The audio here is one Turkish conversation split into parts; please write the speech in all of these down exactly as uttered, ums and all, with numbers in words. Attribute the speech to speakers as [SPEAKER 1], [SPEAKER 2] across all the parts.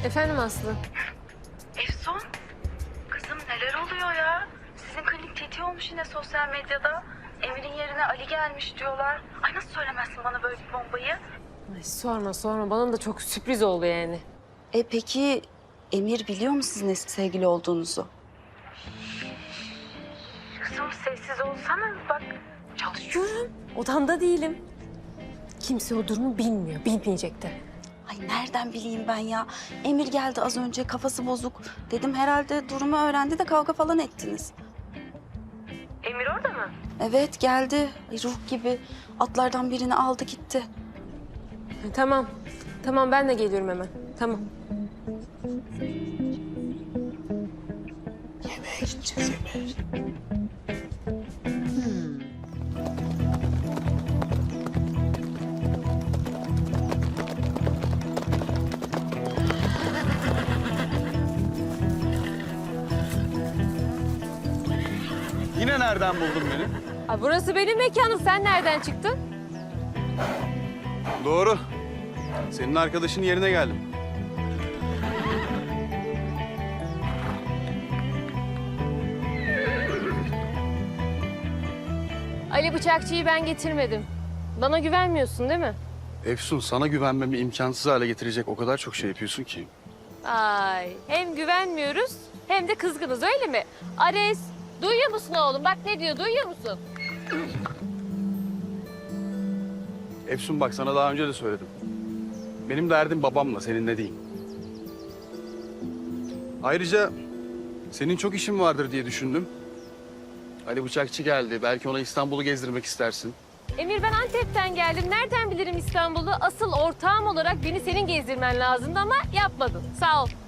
[SPEAKER 1] Efendim Aslı?
[SPEAKER 2] Efsun, kızım neler oluyor ya? Sizin klinik tetiği olmuş yine sosyal medyada. Emir'in yerine Ali gelmiş diyorlar. Ay nasıl söylemezsin bana böyle bir bombayı?
[SPEAKER 1] Ay sorma sorma. Bana da çok sürpriz oldu yani.
[SPEAKER 2] E peki Emir biliyor mu sizin eski sevgili olduğunuzu? Kızım sessiz olsana bak.
[SPEAKER 1] Çalışıyorum. Odamda değilim. Kimse o durumu bilmiyor. Bilmeyecek de.
[SPEAKER 2] Ay nereden bileyim ben ya? Emir geldi az önce kafası bozuk. Dedim herhalde durumu öğrendi de kavga falan ettiniz.
[SPEAKER 1] Emir orada mı?
[SPEAKER 2] Evet geldi. Ay, ruh gibi atlardan birini aldı gitti.
[SPEAKER 1] Tamam. Tamam ben de geliyorum hemen. Tamam.
[SPEAKER 3] Yemeğe gideceğiz yemeğe.
[SPEAKER 4] Yine nereden buldun beni?
[SPEAKER 1] Aa, burası benim mekanım. Sen nereden çıktın?
[SPEAKER 4] Doğru. Senin arkadaşın yerine geldim.
[SPEAKER 1] Ali Bıçakçı'yı ben getirmedim. Bana güvenmiyorsun değil mi?
[SPEAKER 4] Efsun, sana güvenmemi imkansız hale getirecek o kadar çok şey yapıyorsun ki.
[SPEAKER 1] Ay hem güvenmiyoruz hem de kızgınız öyle mi? Ares duyuyor musun oğlum? Bak ne diyor duyuyor musun?
[SPEAKER 4] Efsun bak, sana daha önce de söyledim. Benim derdim babamla, seninle değil. Ayrıca senin çok işin vardır diye düşündüm. Ali Bıçakçı geldi. Belki ona İstanbul'u gezdirmek istersin.
[SPEAKER 1] Emir ben Antep'ten geldim. Nereden bilirim İstanbul'u? Asıl ortağım olarak beni senin gezdirmen lazımdı ama yapmadın. Sağ ol.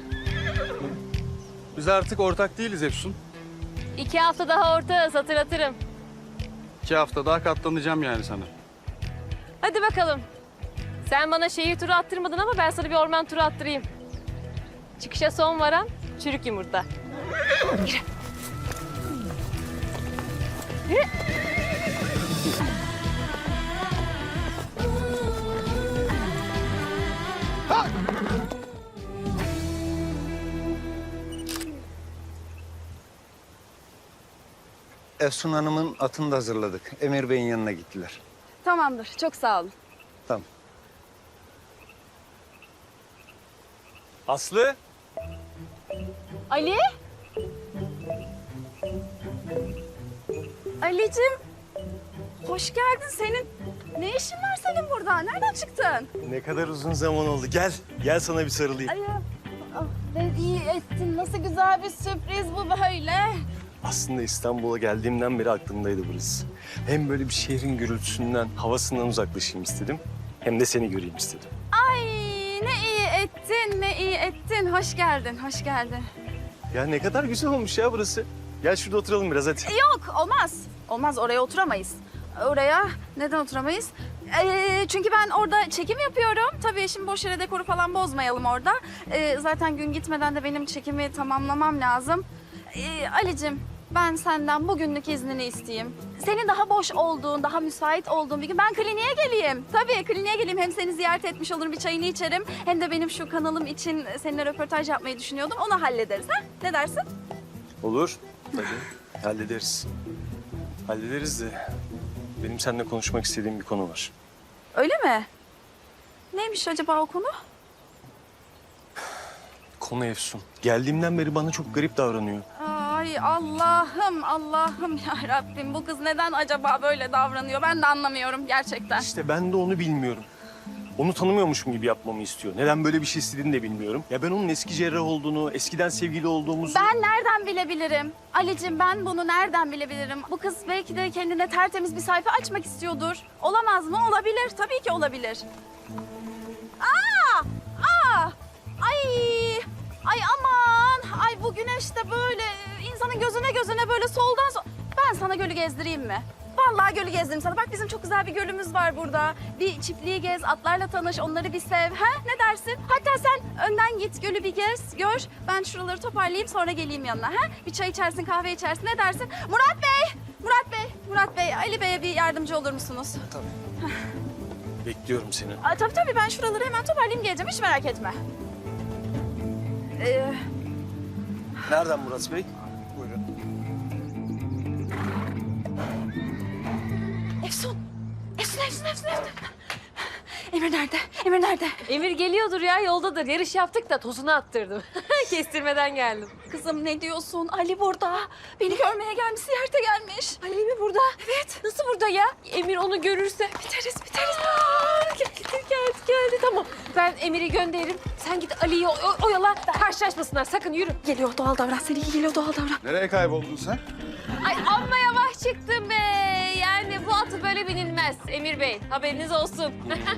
[SPEAKER 4] Biz artık ortak değiliz Efsun.
[SPEAKER 1] İki hafta daha ortağız hatırlatırım.
[SPEAKER 4] İki hafta daha katlanacağım yani sana.
[SPEAKER 1] Hadi bakalım. Sen bana şehir turu attırmadın ama ben sana bir orman turu attırayım. Çıkışa son varan çürük yumurta. Yürü. Yürü.
[SPEAKER 3] Efsun Hanım'ın atını da hazırladık. Emir Bey'in yanına gittiler.
[SPEAKER 2] Tamamdır çok sağ olun.
[SPEAKER 3] Tamam.
[SPEAKER 4] Aslı.
[SPEAKER 1] Ali?
[SPEAKER 2] Ali'cim hoş geldin senin. Ne işin var senin burada? Nereden çıktın?
[SPEAKER 5] Ne kadar uzun zaman oldu. Gel, gel sana bir sarılayım.
[SPEAKER 2] Ay, ah, ne iyi ettin. Nasıl güzel bir sürpriz bu böyle.
[SPEAKER 5] Aslında İstanbul'a geldiğimden beri aklımdaydı burası. Hem böyle bir şehrin gürültüsünden, havasından uzaklaşayım istedim. Hem de seni göreyim istedim.
[SPEAKER 2] Ay ne iyi ettin, ne iyi ettin. Hoş geldin, hoş geldin.
[SPEAKER 5] Ya ne kadar güzel olmuş ya burası. Gel şurada oturalım biraz hadi.
[SPEAKER 2] Yok olmaz. Olmaz oraya oturamayız. Oraya neden oturamayız? Ee, çünkü ben orada çekim yapıyorum. Tabii şimdi boş yere dekoru falan bozmayalım orada. Ee, zaten gün gitmeden de benim çekimi tamamlamam lazım. Ee, Ali'cim ben senden bugünlük iznini isteyeyim. Senin daha boş olduğun, daha müsait olduğun bir gün ben kliniğe geleyim. Tabii kliniğe geleyim. Hem seni ziyaret etmiş olurum, bir çayını içerim. Hem de benim şu kanalım için seninle röportaj yapmayı düşünüyordum. Onu hallederiz ha? Ne dersin?
[SPEAKER 5] Olur. Tabii. Hallederiz. Hallederiz de benim seninle konuşmak istediğim bir konu var.
[SPEAKER 2] Öyle mi? Neymiş acaba o konu?
[SPEAKER 5] Konu Efsun. Geldiğimden beri bana çok garip davranıyor.
[SPEAKER 2] Ay Allah'ım, Allah'ım ya Rabbim. Bu kız neden acaba böyle davranıyor? Ben de anlamıyorum gerçekten.
[SPEAKER 5] İşte ben de onu bilmiyorum. Onu tanımıyormuşum gibi yapmamı istiyor. Neden böyle bir şey istediğini de bilmiyorum. Ya ben onun eski cerrah olduğunu, eskiden sevgili olduğumuzu...
[SPEAKER 2] Ben nereden bilebilirim? Ali'cim ben bunu nereden bilebilirim? Bu kız belki de kendine tertemiz bir sayfa açmak istiyordur. Olamaz mı? Olabilir. Tabii ki olabilir. Aa! Aa! Ay! Ay aman! Ay bu güneş de böyle insanın gözüne gözüne böyle soldan so... Ben sana gölü gezdireyim mi? Vallahi gölü gezdireyim sana. Bak bizim çok güzel bir gölümüz var burada. Bir çiftliği gez, atlarla tanış, onları bir sev. Ha? Ne dersin? Hatta sen önden git, gölü bir gez, gör. Ben şuraları toparlayayım sonra geleyim yanına. Ha? Bir çay içersin, kahve içersin. Ne dersin? Murat Bey! Murat Bey! Murat Bey, Ali Bey'e bir yardımcı olur musunuz?
[SPEAKER 5] Tabii. Bekliyorum seni.
[SPEAKER 2] Aa, tabii tabii ben şuraları hemen toparlayayım geleceğim. Hiç merak etme. Ee,
[SPEAKER 5] Nereden Murat Bey?
[SPEAKER 3] Buyurun.
[SPEAKER 2] Efsun. Efsun, Efsun, Efsun, Efsun. Emir nerede? Emir nerede?
[SPEAKER 1] Emir geliyordur ya, yoldadır. Yarış yaptık da tozunu attırdım. Kestirmeden geldim.
[SPEAKER 2] Kızım ne diyorsun? Ali burada. Beni görmeye gelmiş, ziyarete gelmiş.
[SPEAKER 1] Ali mi burada? Evet. Nasıl burada ya? Emir onu görürse.
[SPEAKER 2] Biteriz, biteriz.
[SPEAKER 1] Aa, geldi, geldi, geldi. Tamam. Ben Emir'i gönderirim. Sen git Ali'yi o- o- oyala. Karşılaşmasınlar. Sakın yürü.
[SPEAKER 2] Geliyor, doğal davran. Seni iyi geliyor, doğal davran.
[SPEAKER 4] Nereye kayboldun sen?
[SPEAKER 1] Ay amma yavaş çıktım be. Yani bu atı böyle binilmez Emir Bey. Haberiniz olsun.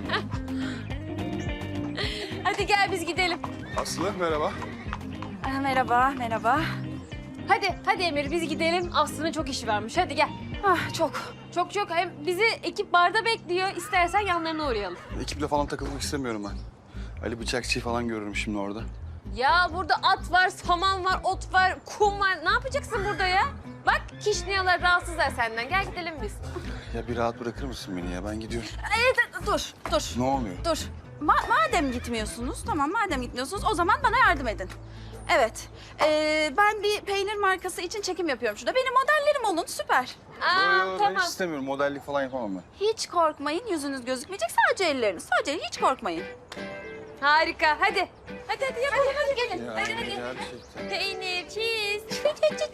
[SPEAKER 1] Hadi gel biz gidelim.
[SPEAKER 4] Aslı merhaba.
[SPEAKER 2] Aa, merhaba, merhaba.
[SPEAKER 1] Hadi, hadi Emir biz gidelim. Aslı'nın çok işi varmış. Hadi gel.
[SPEAKER 2] Ah, çok.
[SPEAKER 1] Çok çok. Hem bizi ekip barda bekliyor. İstersen yanlarına uğrayalım.
[SPEAKER 4] Ekiple falan takılmak istemiyorum ben. Ali Bıçakçı'yı falan görürüm şimdi orada.
[SPEAKER 1] Ya burada at var, saman var, ot var, kum var. Ne yapacaksın burada ya? Bak kişniyalar rahatsızlar senden. Gel gidelim biz.
[SPEAKER 4] Ya bir rahat bırakır mısın beni ya? Ben gidiyorum.
[SPEAKER 2] Ee, dur, dur,
[SPEAKER 4] Ne oluyor?
[SPEAKER 2] dur. Ma- madem gitmiyorsunuz, tamam madem gitmiyorsunuz o zaman bana yardım edin. Evet, ee, ben bir peynir markası için çekim yapıyorum şurada. Benim modellerim olun, süper.
[SPEAKER 1] Aa,
[SPEAKER 4] Yo, yo, Ben
[SPEAKER 1] tamam.
[SPEAKER 4] hiç istemiyorum. Modellik falan yapamam ben.
[SPEAKER 2] Hiç korkmayın, yüzünüz gözükmeyecek, sadece elleriniz. Sadece hiç korkmayın.
[SPEAKER 1] Harika. Hadi. Hadi hadi yapalım. Hadi, gelin.
[SPEAKER 4] Ya,
[SPEAKER 1] hadi hadi.
[SPEAKER 4] gerçekten.
[SPEAKER 1] Peynir, cheese.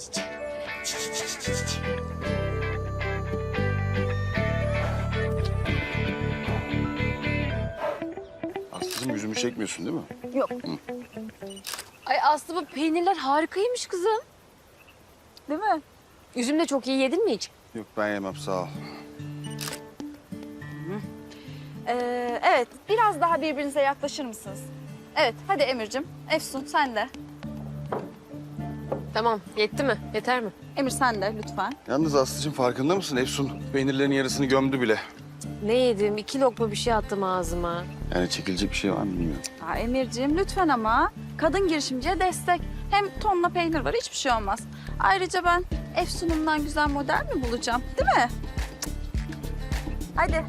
[SPEAKER 4] Aslıcığım yüzümü çekmiyorsun değil mi?
[SPEAKER 2] Yok.
[SPEAKER 1] Ay Aslı bu peynirler harikaymış kızım.
[SPEAKER 2] Değil mi?
[SPEAKER 1] Üzüm de çok iyi yedin mi hiç?
[SPEAKER 4] Yok ben yemem sağ ol.
[SPEAKER 2] Ee, evet, biraz daha birbirinize yaklaşır mısınız? Evet, hadi Emir'cim. Efsun, sen de.
[SPEAKER 1] Tamam. Yetti mi? Yeter mi?
[SPEAKER 2] Emir sen de lütfen.
[SPEAKER 4] Yalnız Aslıcığım farkında mısın? Efsun peynirlerin yarısını gömdü bile.
[SPEAKER 1] Ne yedim? İki lokma bir şey attım ağzıma.
[SPEAKER 4] Yani çekilecek bir şey var mı bilmiyorum.
[SPEAKER 2] Aa, Emir'ciğim lütfen ama. Kadın girişimciye destek. Hem tonla peynir var, hiçbir şey olmaz. Ayrıca ben Efsun'umdan güzel model mi bulacağım? Değil mi? Cık. Hadi.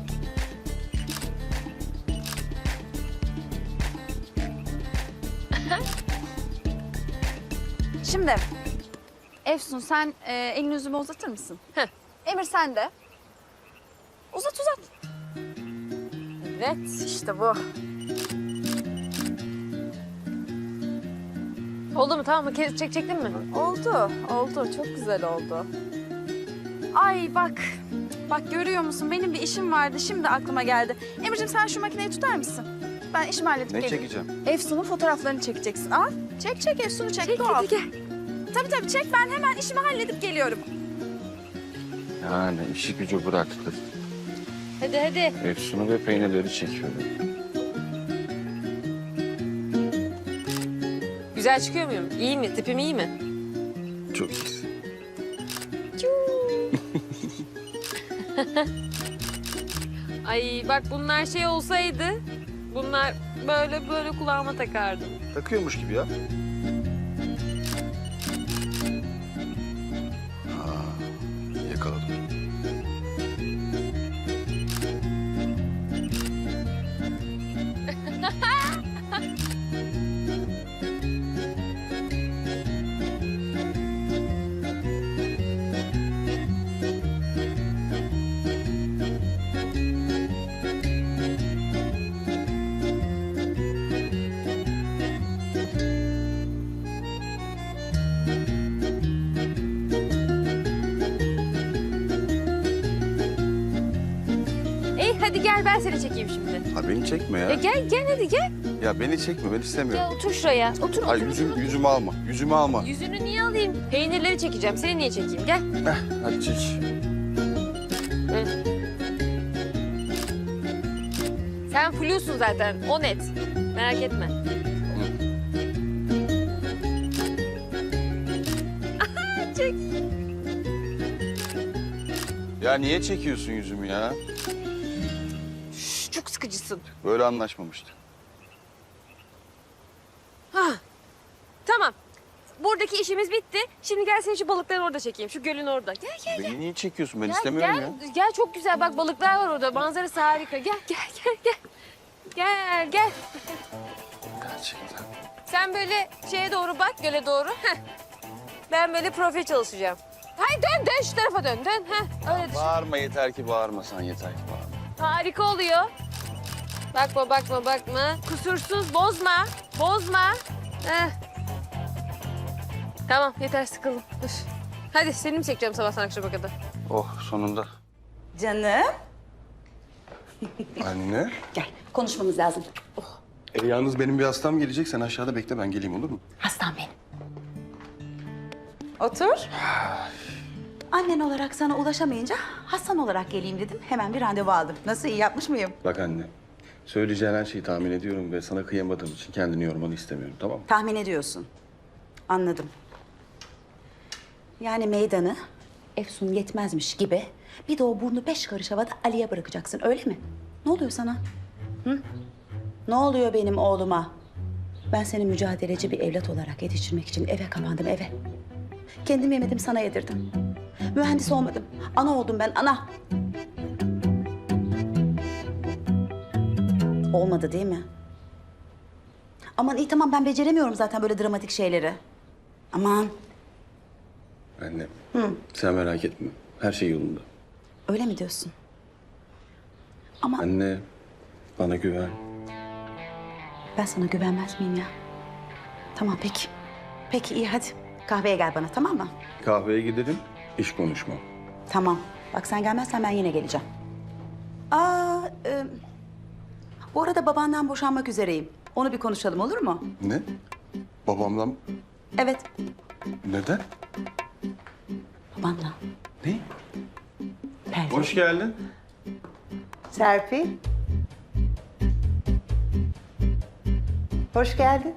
[SPEAKER 2] Şimdi Efsun sen e, elini yüzüme uzatır mısın?
[SPEAKER 1] Heh.
[SPEAKER 2] Emir sen de. Uzat uzat. Evet işte bu.
[SPEAKER 1] Oldu mu? Tamam mı? Kes, çek, çektin mi?
[SPEAKER 2] Oldu, oldu. Çok güzel oldu. Ay bak, bak görüyor musun? Benim bir işim vardı, şimdi aklıma geldi. Emir'cim sen şu makineyi tutar mısın? Ben işimi halledip
[SPEAKER 4] Ne
[SPEAKER 2] geleyim.
[SPEAKER 4] çekeceğim?
[SPEAKER 2] Efsun'un fotoğraflarını çekeceksin. Al, çek çek Efsun'u çek.
[SPEAKER 1] Çek,
[SPEAKER 2] doğal.
[SPEAKER 1] hadi gel.
[SPEAKER 2] Tabii tabii çek, ben hemen işimi halledip geliyorum.
[SPEAKER 4] Yani işi gücü bıraktı.
[SPEAKER 1] Hadi hadi.
[SPEAKER 4] Efsun'u ve peynirleri çekiyorum.
[SPEAKER 1] Güzel çıkıyor muyum? İyi mi? Tipim iyi mi?
[SPEAKER 4] Çok iyisin.
[SPEAKER 1] Ay bak bunlar şey olsaydı, bunlar böyle böyle kulağıma takardım.
[SPEAKER 4] Takıyormuş gibi ya. Aa, yakaladım.
[SPEAKER 1] Ey hadi gel ben seni çekeyim şimdi.
[SPEAKER 4] Ha beni çekme
[SPEAKER 1] Ya
[SPEAKER 4] ya.
[SPEAKER 1] gel gel hadi gel.
[SPEAKER 4] Ya beni çekme ben istemiyorum.
[SPEAKER 1] Gel otur şuraya. Otur
[SPEAKER 4] Ay
[SPEAKER 1] otur.
[SPEAKER 4] yüzüm, yüzümü alma. Yüzümü alma.
[SPEAKER 1] Yüzünü niye alayım? Peynirleri çekeceğim. Seni niye çekeyim? Gel.
[SPEAKER 4] Hadi çek.
[SPEAKER 1] Sen flusun zaten. O net. Merak etme. Çek.
[SPEAKER 4] Ya niye çekiyorsun yüzümü ya?
[SPEAKER 1] Şş, çok sıkıcısın.
[SPEAKER 4] Böyle anlaşmamıştık.
[SPEAKER 1] Ha. Tamam. Buradaki işimiz bitti. Şimdi gel seni şu balıkların orada çekeyim. Şu gölün orada. Gel gel gel.
[SPEAKER 4] Beni niye çekiyorsun? Ben
[SPEAKER 1] Gel,
[SPEAKER 4] istemiyorum
[SPEAKER 1] gel.
[SPEAKER 4] ya.
[SPEAKER 1] Gel çok güzel. Bak balıklar var orada. Manzarası harika. Gel gel gel gel. Gel gel.
[SPEAKER 4] Gerçekten.
[SPEAKER 1] Sen böyle şeye doğru bak, göle doğru. Heh. Ben böyle profil çalışacağım. Hayır dön dön şu tarafa dön dön. Heh. Öyle düşün.
[SPEAKER 4] Bağırma yeter ki bağırmasan yeter ki bağırma.
[SPEAKER 1] Harika oluyor. Bakma bakma bakma. Kusursuz bozma. Bozma. Heh. Tamam yeter sıkıldım. Üf. Hadi seni mi çekeceğim sabahtan akşama kadar?
[SPEAKER 4] Oh sonunda.
[SPEAKER 6] Canım.
[SPEAKER 4] Anne.
[SPEAKER 6] Gel konuşmamız lazım.
[SPEAKER 4] E, yalnız benim bir hastam gelecek. Sen aşağıda bekle ben geleyim olur mu?
[SPEAKER 6] Hastam benim. Otur. Annen olarak sana ulaşamayınca hastan olarak geleyim dedim. Hemen bir randevu aldım. Nasıl iyi yapmış mıyım?
[SPEAKER 4] Bak anne. Söyleyeceğin her şeyi tahmin ediyorum ve sana kıyamadığım için kendini yormanı istemiyorum tamam mı?
[SPEAKER 6] Tahmin ediyorsun. Anladım. Yani meydanı Efsun yetmezmiş gibi bir de o burnu beş karış havada Ali'ye bırakacaksın öyle mi? Ne oluyor sana? Hı? Ne oluyor benim oğluma? Ben seni mücadeleci bir evlat olarak yetiştirmek için eve kapandım eve. Kendim yemedim sana yedirdim. Mühendis olmadım. Ana oldum ben ana. Olmadı değil mi? Aman iyi tamam ben beceremiyorum zaten böyle dramatik şeyleri. Aman
[SPEAKER 4] Anne. Hı. Sen merak etme. Her şey yolunda.
[SPEAKER 6] öyle mi diyorsun? Ama
[SPEAKER 4] Anne bana güven.
[SPEAKER 6] ben sana güvenmez miyim ya? Tamam peki. Peki iyi hadi. Kahveye gel bana tamam mı?
[SPEAKER 4] Kahveye gidelim. İş konuşmam.
[SPEAKER 6] Tamam. Bak sen gelmezsen ben yine geleceğim. Aa, e, bu arada babandan boşanmak üzereyim. Onu bir konuşalım olur mu?
[SPEAKER 4] Ne? Babamdan
[SPEAKER 6] Evet,
[SPEAKER 4] neden?
[SPEAKER 6] babanla.
[SPEAKER 4] Ne?
[SPEAKER 6] Pervin.
[SPEAKER 4] Hoş geldin.
[SPEAKER 7] Serpil. Hoş geldin.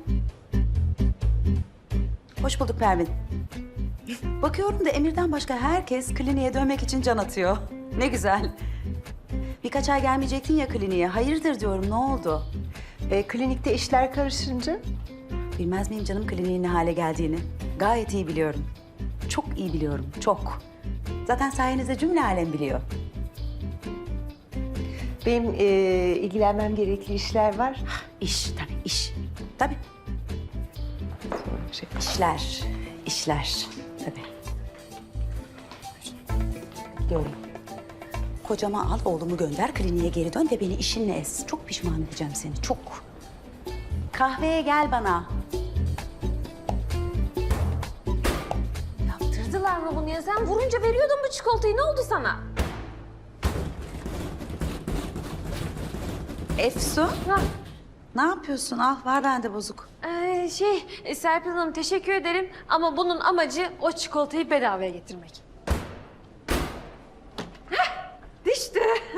[SPEAKER 6] Hoş bulduk Pervin. Bakıyorum da Emir'den başka herkes kliniğe dönmek için can atıyor. Ne güzel. Birkaç ay gelmeyecektin ya kliniğe. Hayırdır diyorum ne oldu?
[SPEAKER 7] E, klinikte işler karışınca
[SPEAKER 6] Bilmez miyim canım kliniğin ne hale geldiğini? Gayet iyi biliyorum. Çok iyi biliyorum, çok. Zaten sayenizde cümle alem biliyor.
[SPEAKER 7] benim e, ilgilenmem gerekli işler var.
[SPEAKER 6] İş tabii, iş. Tabii.
[SPEAKER 7] Şey,
[SPEAKER 6] İşler, işler. Tabii. Gidiyorum. Kocama al, oğlumu gönder, kliniğe geri dön ve beni işinle ez. Çok pişman edeceğim seni, çok. Kahveye gel bana.
[SPEAKER 1] Yaptırdılar mı bunu ya? Sen vurunca veriyordun bu çikolatayı. Ne oldu sana?
[SPEAKER 6] Efsun,
[SPEAKER 1] Ha,
[SPEAKER 6] ne yapıyorsun? Al, var bende bozuk.
[SPEAKER 1] ee, şey e, Serpil Hanım teşekkür ederim ama bunun amacı o çikolatayı bedavaya getirmek. Hah, düştü.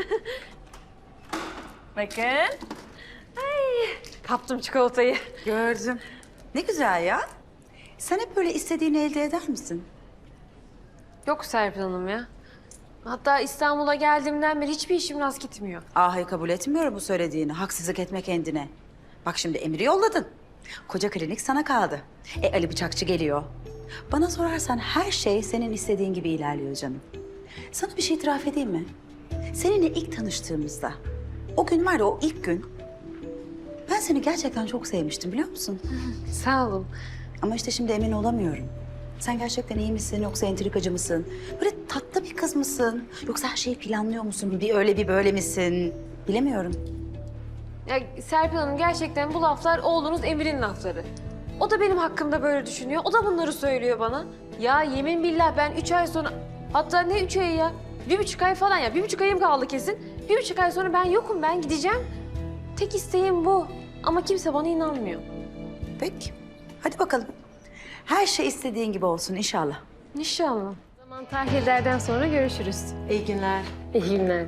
[SPEAKER 1] Bakın. Ay, kaptım çikolatayı.
[SPEAKER 6] Gördüm. Ne güzel ya. Sen hep böyle istediğini elde eder misin?
[SPEAKER 1] Yok Serpil Hanım ya. Hatta İstanbul'a geldiğimden beri hiçbir işim rast gitmiyor.
[SPEAKER 6] Ah, hayır kabul etmiyorum bu söylediğini. Haksızlık etme kendine. Bak şimdi Emir'i yolladın. Koca klinik sana kaldı. E Ali Bıçakçı geliyor. Bana sorarsan her şey senin istediğin gibi ilerliyor canım. Sana bir şey itiraf edeyim mi? Seninle ilk tanıştığımızda, o gün var ya o ilk gün... Ben seni gerçekten çok sevmiştim biliyor musun?
[SPEAKER 1] Sağ olun.
[SPEAKER 6] Ama işte şimdi emin olamıyorum. Sen gerçekten iyi misin yoksa entrikacı mısın? Böyle tatlı bir kız mısın? Yoksa her şeyi planlıyor musun? Bir öyle bir böyle misin? Bilemiyorum.
[SPEAKER 1] Ya Serpil Hanım gerçekten bu laflar oğlunuz Emir'in lafları. O da benim hakkımda böyle düşünüyor. O da bunları söylüyor bana. Ya yemin billah ben üç ay sonra... Hatta ne üç ayı ya? Bir buçuk ay falan ya. Bir buçuk ayım kaldı kesin. Bir buçuk ay sonra ben yokum. Ben gideceğim. Tek isteğim bu. Ama kimse bana inanmıyor.
[SPEAKER 6] Peki. Hadi bakalım. Her şey istediğin gibi olsun inşallah.
[SPEAKER 1] İnşallah. O zaman tahlillerden sonra görüşürüz.
[SPEAKER 6] İyi günler.
[SPEAKER 1] İyi günler.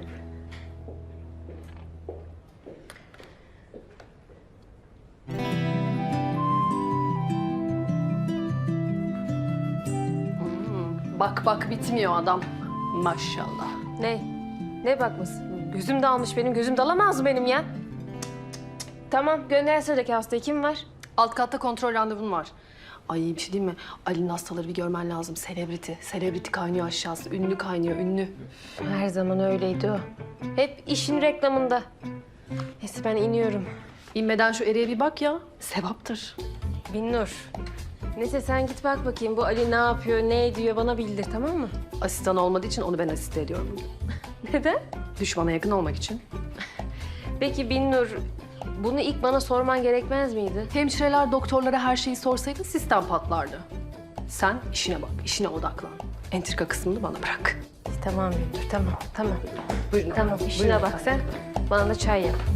[SPEAKER 8] Bak bak bitmiyor adam. Maşallah.
[SPEAKER 1] Ne? Ne bakması? Gözüm dalmış benim. Gözüm dalamaz mı benim ya? Cık, cık, cık. Tamam gönder sıradaki hastayı. Kim var?
[SPEAKER 8] Alt katta kontrol randevun var. Ay bir şey diyeyim mi? Ali'nin hastaları bir görmen lazım. Selebriti. Selebriti kaynıyor aşağısı. Ünlü kaynıyor, ünlü.
[SPEAKER 1] Her zaman öyleydi o. Hep işin reklamında. Neyse ben iniyorum.
[SPEAKER 8] İnmeden şu eriye bir bak ya. Sevaptır.
[SPEAKER 1] Binnur. Neyse sen git bak bakayım bu Ali ne yapıyor, ne ediyor bana bildir tamam mı?
[SPEAKER 8] Asistan olmadığı için onu ben asiste ediyorum.
[SPEAKER 1] Neden?
[SPEAKER 8] Düşmana yakın olmak için.
[SPEAKER 1] Peki Binnur, bunu ilk bana sorman gerekmez miydi?
[SPEAKER 8] Hemşireler doktorlara her şeyi sorsaydı sistem patlardı. Sen işine bak, işine odaklan. Entrika kısmını bana bırak.
[SPEAKER 1] Tamam Binnur, tamam, tamam.
[SPEAKER 8] Buyurun.
[SPEAKER 1] Tamam, işine bak sen. Bana da çay yap.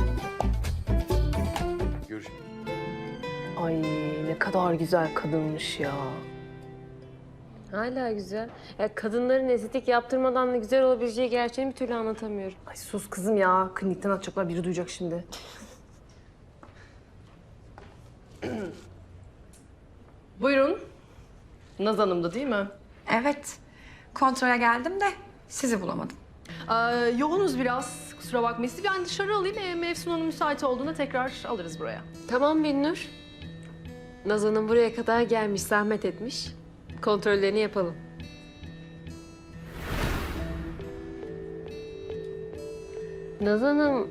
[SPEAKER 4] Görüşürüz.
[SPEAKER 8] Ay ne kadar güzel kadınmış ya.
[SPEAKER 1] Hala güzel. Ya kadınların estetik yaptırmadan da güzel olabileceği gerçeğini bir türlü anlatamıyorum.
[SPEAKER 8] Ay sus kızım ya. Klinikten atacaklar, biri duyacak şimdi. Buyurun. Naz Hanım'dı değil mi?
[SPEAKER 9] Evet. Kontrole geldim de sizi bulamadım.
[SPEAKER 8] Ee, yoğunuz biraz. Kusura bakmayın. Sizi ben dışarı alayım. Ee, Mevsun Hanım müsait olduğunda tekrar alırız buraya.
[SPEAKER 1] Tamam Binnur. Nazan'ın buraya kadar gelmiş, zahmet etmiş. Kontrollerini yapalım. Nazan'ım...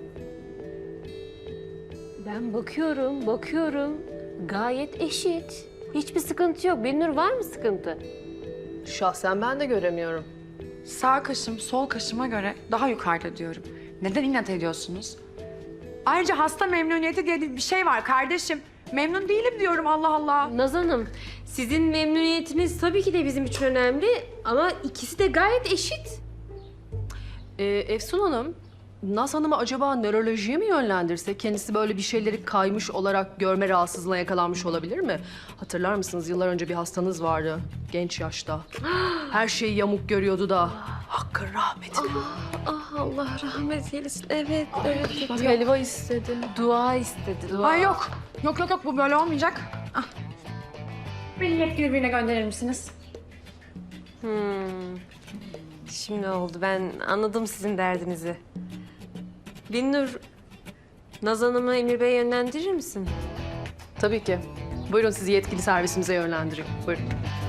[SPEAKER 1] Ben bakıyorum, bakıyorum. Gayet eşit. Hiçbir sıkıntı yok. Binnur var mı sıkıntı?
[SPEAKER 8] Şahsen ben de göremiyorum.
[SPEAKER 9] Sağ kaşım sol kaşıma göre daha yukarıda diyorum. Neden inat ediyorsunuz? Ayrıca hasta memnuniyeti diye bir şey var kardeşim. Memnun değilim diyorum Allah Allah.
[SPEAKER 1] Nazan'ım, sizin memnuniyetiniz tabii ki de bizim için önemli ama ikisi de gayet eşit.
[SPEAKER 8] Ee, Efsun Hanım, Naz Hanım'ı acaba nörolojiye mi yönlendirse? Kendisi böyle bir şeyleri kaymış olarak görme rahatsızlığına yakalanmış olabilir mi? Hatırlar mısınız? Yıllar önce bir hastanız vardı. Genç yaşta. Her şeyi yamuk görüyordu da. Hakkın rahmetine.
[SPEAKER 1] Ah Allah rahmet eylesin. Evet, evet.
[SPEAKER 8] Bak helva istedi.
[SPEAKER 1] Dua istedi, dua.
[SPEAKER 9] Ay yok. Yok yok yok bu böyle olmayacak. Ah. Beni yetkili birine gönderir misiniz?
[SPEAKER 1] Hmm. Şimdi oldu. Ben anladım sizin derdinizi. Binnur, Naz Hanım'ı Emir Bey'e yönlendirir misin?
[SPEAKER 8] Tabii ki. Buyurun sizi yetkili servisimize yönlendireyim. Buyurun.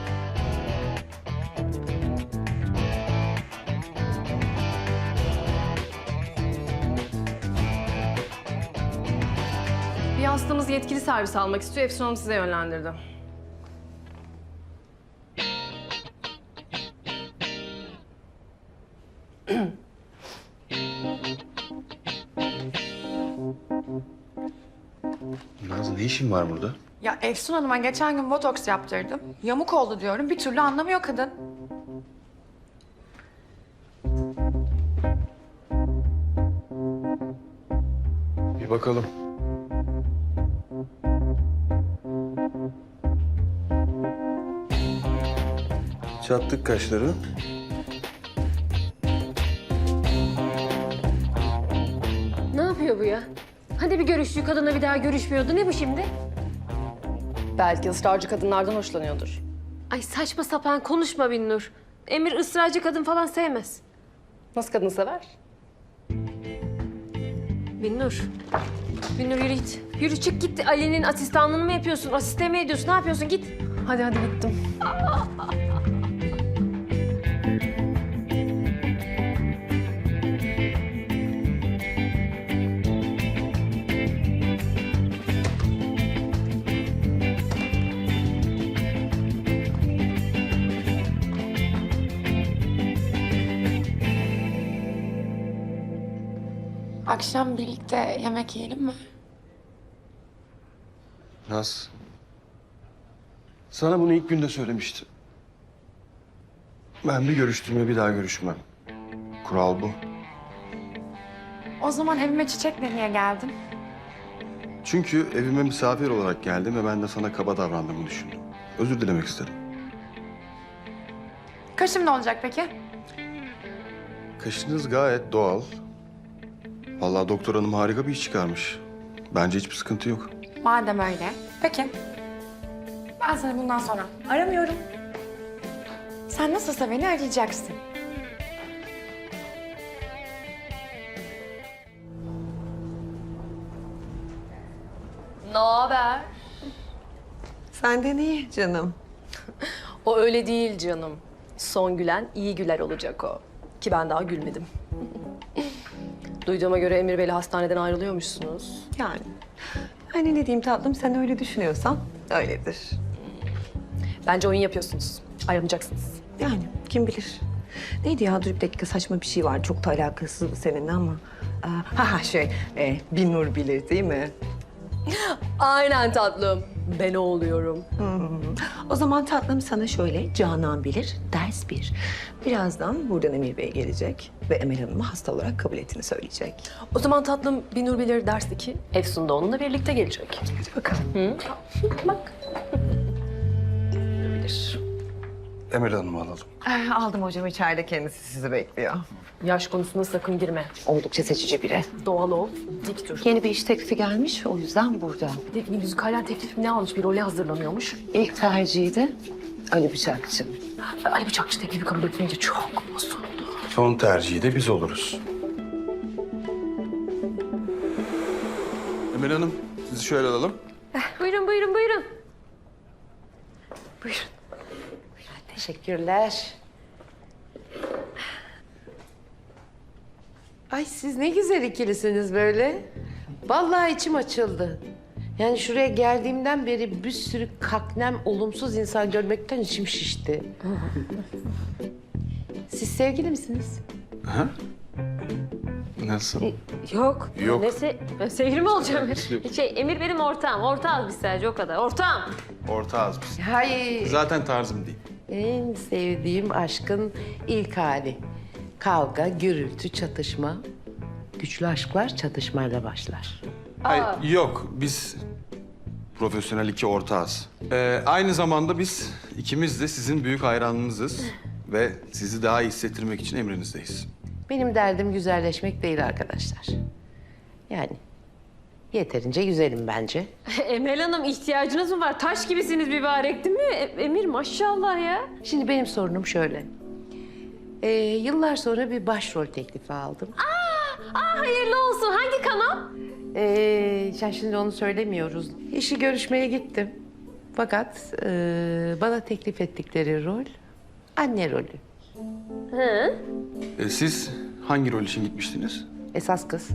[SPEAKER 8] Bir hastamız yetkili servis almak istiyor. Efsun Hanım size yönlendirdi.
[SPEAKER 4] Naz ne işin var burada?
[SPEAKER 9] Ya Efsun Hanım'a geçen gün botoks yaptırdım. Yamuk oldu diyorum. Bir türlü anlamıyor kadın.
[SPEAKER 4] Bir bakalım. Çattık kaşları.
[SPEAKER 1] Ne yapıyor bu ya? Hadi bir görüştüğü kadınla bir daha görüşmüyordu. Ne bu şimdi?
[SPEAKER 8] Belki ısrarcı kadınlardan hoşlanıyordur.
[SPEAKER 1] Ay saçma sapan konuşma Binnur. Emir ısrarcı kadın falan sevmez.
[SPEAKER 8] Nasıl kadın sever?
[SPEAKER 1] Binnur. Binnur yürü git. Yürü çık git. Ali'nin asistanlığını mı yapıyorsun? Asiste mi ediyorsun? Ne yapıyorsun? Git.
[SPEAKER 8] Hadi hadi gittim.
[SPEAKER 9] Akşam birlikte yemek yiyelim mi?
[SPEAKER 4] Naz. Sana bunu ilk günde söylemiştim. Ben bir görüştüğüme bir daha görüşmem. Kural bu.
[SPEAKER 9] O zaman evime çiçekle niye geldin?
[SPEAKER 4] Çünkü evime misafir olarak geldim ve ben de sana kaba davrandığımı düşündüm. Özür dilemek istedim.
[SPEAKER 9] Kaşım ne olacak peki?
[SPEAKER 4] Kaşınız gayet doğal. Vallahi doktor hanım harika bir iş çıkarmış. Bence hiçbir sıkıntı yok.
[SPEAKER 9] Madem öyle. Peki. Ben seni bundan sonra aramıyorum. Sen nasılsa beni arayacaksın.
[SPEAKER 8] Ne haber?
[SPEAKER 7] Senden iyi canım.
[SPEAKER 8] O öyle değil canım. Son gülen iyi güler olacak o. Ki ben daha gülmedim. Duyduğuma göre Emir Bey'le hastaneden ayrılıyormuşsunuz.
[SPEAKER 7] Yani Hani ne diyeyim tatlım, sen öyle düşünüyorsan öyledir.
[SPEAKER 8] Bence oyun yapıyorsunuz. Ayrılmayacaksınız.
[SPEAKER 7] Yani kim bilir. Neydi ya, dur bir dakika, saçma bir şey var. Çok da alakasız seninle ama. Aa, ha ha şey, e, bir nur bilir değil mi?
[SPEAKER 8] Aynen tatlım. Ben o oluyorum.
[SPEAKER 7] O zaman tatlım sana şöyle, Canan bilir, ders bir. Birazdan buradan Emir Bey gelecek ve Emel Hanım'ı hasta olarak kabul ettiğini söyleyecek.
[SPEAKER 8] O zaman tatlım Binur Bilir ders iki. Efsun da onunla birlikte gelecek.
[SPEAKER 7] Hadi bakalım.
[SPEAKER 8] Bak. Bilir.
[SPEAKER 4] Emel Hanım'ı alalım.
[SPEAKER 7] Eh, aldım hocam, içeride kendisi sizi bekliyor.
[SPEAKER 8] Yaş konusuna sakın girme.
[SPEAKER 7] Oldukça seçici biri.
[SPEAKER 8] Doğal ol, dik dur.
[SPEAKER 7] Yeni bir iş teklifi gelmiş, o yüzden burada.
[SPEAKER 8] Bir de bir müzikalden teklif ne almış? Bir role hazırlanıyormuş.
[SPEAKER 7] İlk tercihi de Ali Bıçakçı.
[SPEAKER 8] Ali Bıçakçı teklifi kabul etmeyince çok bozuldu.
[SPEAKER 4] Son tercihi de biz oluruz. Emel Hanım, sizi şöyle alalım.
[SPEAKER 1] Buyurun, buyurun, buyurun.
[SPEAKER 10] Teşekkürler. Ay siz ne güzel ikilisiniz böyle. Vallahi içim açıldı. Yani şuraya geldiğimden beri bir sürü kaknem, olumsuz insan görmekten içim şişti. Siz sevgili misiniz?
[SPEAKER 4] Ha? Nasıl?
[SPEAKER 1] Yok.
[SPEAKER 4] Yok.
[SPEAKER 1] Nesi? Ben sevgili mi olacağım? Şey, Emir benim ortağım. Ortağız biz sadece, o kadar. Ortağım.
[SPEAKER 4] Ortağız biz.
[SPEAKER 10] Hayır.
[SPEAKER 4] Zaten tarzım değil.
[SPEAKER 10] En sevdiğim aşkın ilk hali. Kavga, gürültü, çatışma. Güçlü aşklar çatışmayla başlar.
[SPEAKER 4] Hayır, yok. Biz profesyonel iki ortağız. Ee, aynı zamanda biz ikimiz de sizin büyük hayranınızız. Ve sizi daha iyi hissettirmek için emrinizdeyiz.
[SPEAKER 10] Benim derdim güzelleşmek değil arkadaşlar. Yani yeterince güzelim bence.
[SPEAKER 1] Emel Hanım, ihtiyacınız mı var? Taş gibisiniz mübarek değil mi? E- Emir maşallah ya.
[SPEAKER 10] Şimdi benim sorunum şöyle. Ee, yıllar sonra bir başrol teklifi aldım.
[SPEAKER 1] Aa, hayırlı olsun. Hangi kanal?
[SPEAKER 10] Ee, ya şimdi onu söylemiyoruz. İşi görüşmeye gittim. Fakat ee, bana teklif ettikleri rol anne rolü.
[SPEAKER 1] Hı?
[SPEAKER 4] Ee, siz hangi rol için gitmiştiniz?
[SPEAKER 10] Esas kız.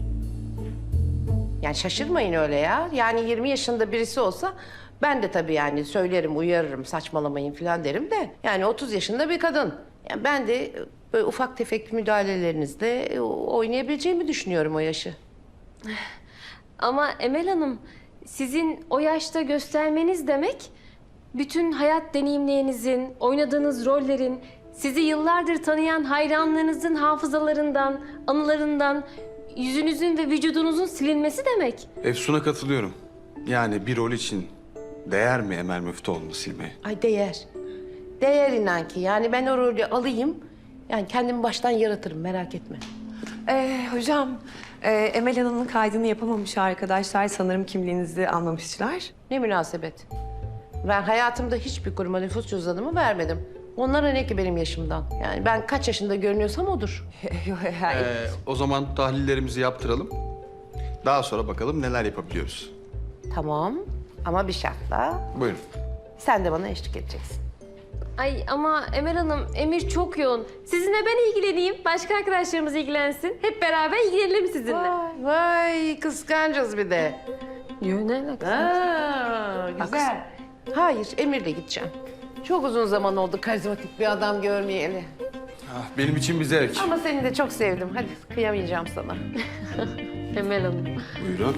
[SPEAKER 10] Yani şaşırmayın öyle ya. Yani yirmi yaşında birisi olsa ben de tabii yani söylerim, uyarırım, saçmalamayın falan derim de. Yani otuz yaşında bir kadın. Yani ben de böyle ufak tefek müdahalelerinizle oynayabileceğimi düşünüyorum o yaşı.
[SPEAKER 1] Ama Emel Hanım, sizin o yaşta göstermeniz demek, bütün hayat deneyimlerinizin, oynadığınız rollerin, sizi yıllardır tanıyan hayranlarınızın hafızalarından, anılarından, yüzünüzün ve vücudunuzun silinmesi demek.
[SPEAKER 4] Efsun'a katılıyorum. Yani bir rol için değer mi Emel Müftüoğlu'nu silmeye?
[SPEAKER 10] Ay değer. Değer inan ki. Yani ben o rolü alayım, yani kendimi baştan yaratırım, merak etme.
[SPEAKER 7] Ee, hocam, e, Emel Hanım'ın kaydını yapamamış arkadaşlar. Sanırım kimliğinizi almamışlar.
[SPEAKER 10] Ne münasebet. Ben hayatımda hiçbir kuruma nüfus cüzdanımı vermedim. Onlara ne ki benim yaşımdan? Yani ben kaç yaşında görünüyorsam odur.
[SPEAKER 4] Ee, o zaman tahlillerimizi yaptıralım. Daha sonra bakalım neler yapabiliyoruz.
[SPEAKER 10] Tamam ama bir şartla
[SPEAKER 4] Buyurun.
[SPEAKER 10] sen de bana eşlik edeceksin.
[SPEAKER 1] Ay ama Emel Hanım, Emir çok yoğun. Sizinle ben ilgileneyim, başka arkadaşlarımız ilgilensin. Hep beraber ilgilenelim sizinle.
[SPEAKER 10] Vay, vay kıskancız bir de.
[SPEAKER 1] Yo, ne alakası?
[SPEAKER 10] Aa, güzel. Hayır, Emir'le gideceğim. Çok uzun zaman oldu karizmatik bir adam görmeyeli.
[SPEAKER 4] Ah, benim için bir zevk.
[SPEAKER 10] Ama seni de çok sevdim. Hadi kıyamayacağım sana.
[SPEAKER 1] Emel Hanım.
[SPEAKER 4] Buyurun.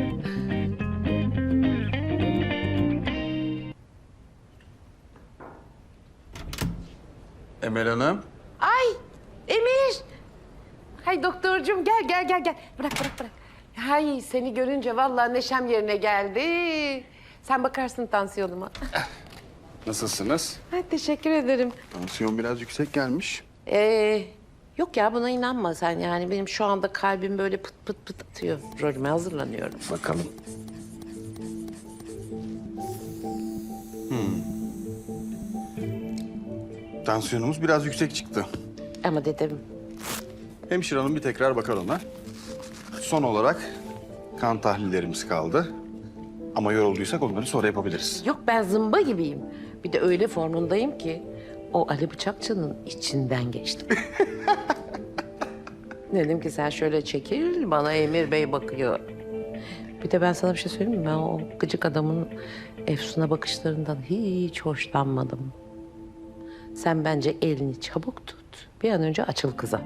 [SPEAKER 4] Emel Hanım.
[SPEAKER 10] Ay Emir. Hay doktorcuğum gel gel gel gel. Bırak bırak bırak. Hay seni görünce vallahi neşem yerine geldi. Sen bakarsın tansiyonuma.
[SPEAKER 4] Nasılsınız?
[SPEAKER 10] Ay, teşekkür ederim.
[SPEAKER 4] Tansiyon biraz yüksek gelmiş.
[SPEAKER 10] Ee, yok ya buna inanma sen yani. Benim şu anda kalbim böyle pıt pıt pıt atıyor. Rolüme hazırlanıyorum.
[SPEAKER 4] Bakalım. Hmm. Tansiyonumuz biraz yüksek çıktı.
[SPEAKER 10] Ama dedim
[SPEAKER 4] Hemşire hanım bir tekrar bakar ona. Son olarak kan tahlillerimiz kaldı. Ama yorulduysak onları sonra yapabiliriz.
[SPEAKER 10] yok ben zımba gibiyim. Bir de öyle formundayım ki o Ali Bıçakçı'nın içinden geçtim. Dedim ki sen şöyle çekil bana Emir Bey bakıyor. Bir de ben sana bir şey söyleyeyim mi? Ben o gıcık adamın Efsun'a bakışlarından hiç hoşlanmadım. Sen bence elini çabuk tut. Bir an önce açıl kıza.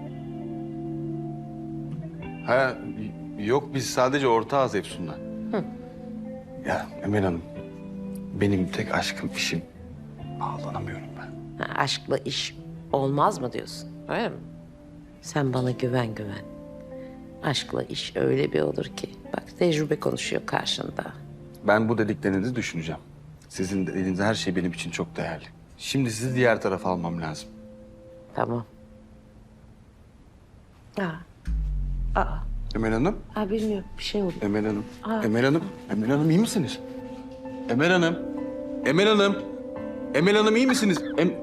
[SPEAKER 4] Ha, yok biz sadece ortağız Efsun'la. Ya Emel Hanım, benim tek aşkım işim. Bağlanamıyorum ben.
[SPEAKER 10] Ha, aşkla iş olmaz mı diyorsun? Öyle mi? Sen bana güven güven. Aşkla iş öyle bir olur ki. Bak tecrübe konuşuyor karşında.
[SPEAKER 4] Ben bu dediklerinizi düşüneceğim. Sizin dediğiniz her şey benim için çok değerli. Şimdi sizi diğer tarafa almam lazım.
[SPEAKER 10] Tamam. Aa. Aa.
[SPEAKER 4] Emel Hanım,
[SPEAKER 10] Aa bilmiyorum bir şey oldu.
[SPEAKER 4] Emel Hanım,
[SPEAKER 10] Aa.
[SPEAKER 4] Emel Hanım, Emel Hanım iyi misiniz? Emel Hanım, Emel Hanım, Emel Hanım iyi misiniz? Em...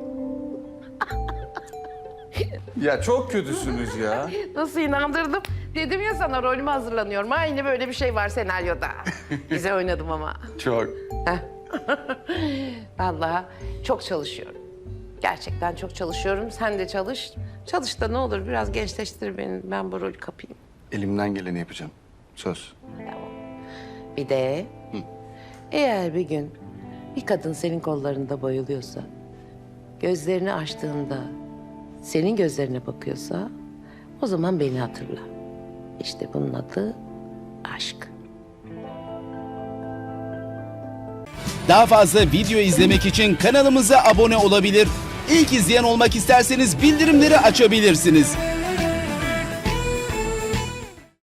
[SPEAKER 4] Ya çok kötüsünüz ya.
[SPEAKER 10] Nasıl inandırdım? Dedim ya sana rolüme hazırlanıyorum. Aynı böyle bir şey var senaryoda. Güzel oynadım ama.
[SPEAKER 4] Çok.
[SPEAKER 10] Heh. Vallahi çok çalışıyorum. Gerçekten çok çalışıyorum. Sen de çalış. Çalış da ne olur biraz gençleştir beni. Ben bu rolü kapayım.
[SPEAKER 4] Elimden geleni yapacağım. Söz.
[SPEAKER 10] Bir de eğer bir gün bir kadın senin kollarında bayılıyorsa, gözlerini açtığında senin gözlerine bakıyorsa o zaman beni hatırla. İşte bunun adı aşk.
[SPEAKER 11] Daha fazla video izlemek için kanalımıza abone olabilir. İlk izleyen olmak isterseniz bildirimleri açabilirsiniz.